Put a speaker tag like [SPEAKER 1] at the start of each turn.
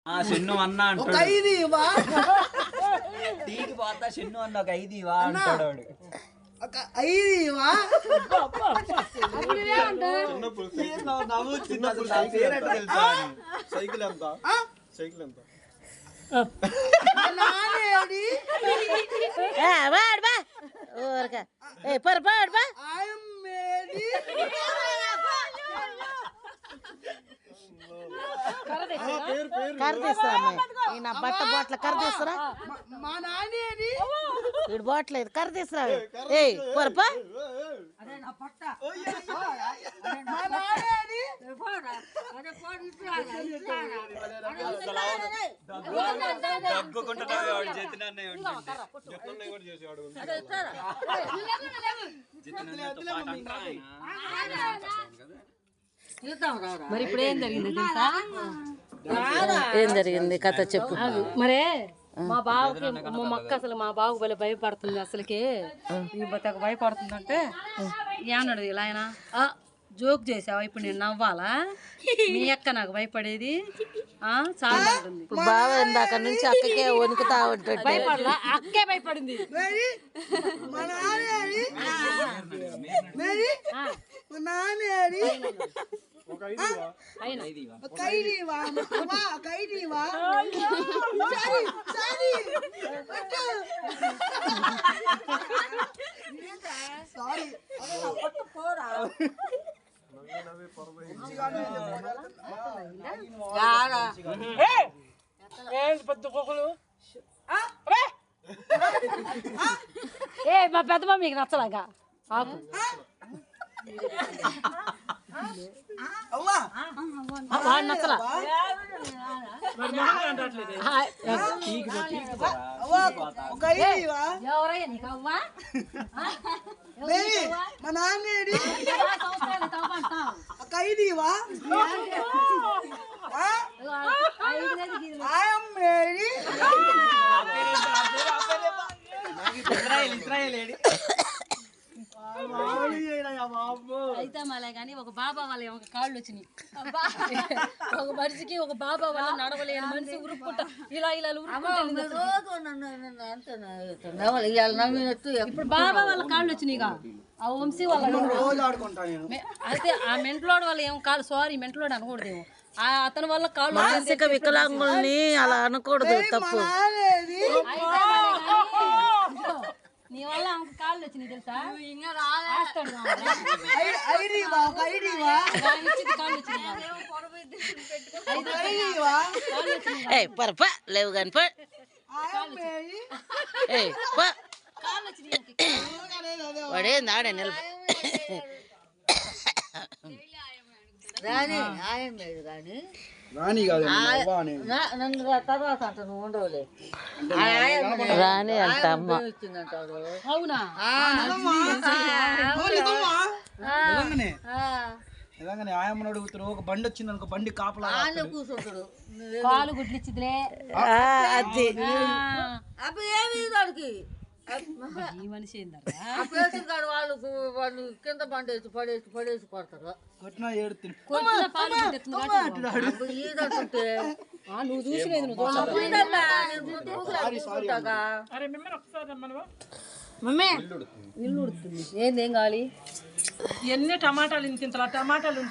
[SPEAKER 1] చెన్ను అన్నా అంటాడు. టీకి పోతా చెన్ను అన్న ఒక 5 ఇవా అంటాడు.
[SPEAKER 2] సైకిల్ ఎంత? సైకిల్ ఎంత?
[SPEAKER 3] నా బట్ట బాట్ల కర్ర తీసుకురా. వీడు బాట్లేదు కర్ర తీసుకురా. ఏ పొరపా
[SPEAKER 4] మరి ఇప్పుడు ఏం జరిగింది తెలుసా?
[SPEAKER 3] ఏం జరిగింది కథ చెప్పు.
[SPEAKER 4] మరే మా బావకి మా అక్క అసలు మా బావకు భలే భయపడుతుంది. అసలుకి భయపడుతుందంటే ఏమన్నాడు ఇలా ఆయన జోక్ చేసావా ఇప్పుడు నేను నవ్వాలా? మీ అక్క నాకు భయపడేది చాలా ఉంటుంది.
[SPEAKER 3] బావ ఇందాక నుంచి అక్కకే వణుకుతా ఉంటాడు.
[SPEAKER 4] భయపడలా, అక్కే భయపడింది. ఏ మా పెద్దమ్మ మీకు నచ్చలాగా ఆకు వాడు నచ్చలా. ఎవరయ్యా నీకు అవ్వా?
[SPEAKER 5] మా నాన్నేడి
[SPEAKER 4] అయితే మళ్ళీ కానీ ఒక బాబా వాళ్ళ ఒక కాళ్ళు వచ్చినాయి. ఒక మనిషికి ఒక బాబా వల్ల నడవలేని మనిషి ఉరుక్కుంటా ఇలా ఇలా ఇప్పుడు బాబా వాళ్ళ కాళ్ళు వచ్చినాయి. ఆ వంశీ వాళ్ళ అయితే ఆ మెంట్లోడ్ వల్ల ఏం కాళ్ళు సారీ మెంట్లోడ్ అనకూడదేమో అతని వల్ల కాళ్ళు
[SPEAKER 3] మానసిక వికలాంగుల్ని అలా అనకూడదు, తప్పు.
[SPEAKER 4] నీ వల్ల ఆమెకు కాళ్ళు వచ్చినాయి తెలుసా?
[SPEAKER 3] పరప లేవు కాని వాడేంది ఆడే నిలబ
[SPEAKER 5] రాని ఆయం లేదు కానీ
[SPEAKER 2] రాణి కాదు
[SPEAKER 5] నన్ను తర్వాత అంట నువ్వు ఉండవులే.
[SPEAKER 3] రాని అంట అమ్మ.
[SPEAKER 4] అవునా?
[SPEAKER 1] నిజంగానే ఆయమ్మని అడుగుతారు. ఒక బండి వచ్చింది అనుకో, బండి కాపలా
[SPEAKER 5] కూర్చుంటాడు
[SPEAKER 4] కాలు గుడ్లు ఇచ్చిదిలే
[SPEAKER 3] అది
[SPEAKER 5] అప్పుడు ఏమి వాడికి
[SPEAKER 4] ఈ మనిషి
[SPEAKER 5] కాడు వాళ్ళు కింద పడేసి కొడతారు.
[SPEAKER 1] కొట్టినా ఏడుతుంది.
[SPEAKER 5] ఈదంటుంటే
[SPEAKER 4] నువ్వు చూసిలేదు మమ్మే ఇల్లు ఉడుతుంది. ఏందేం కావాలి?
[SPEAKER 6] ఎన్ని టమాటాలు ఇంత టమాటాలు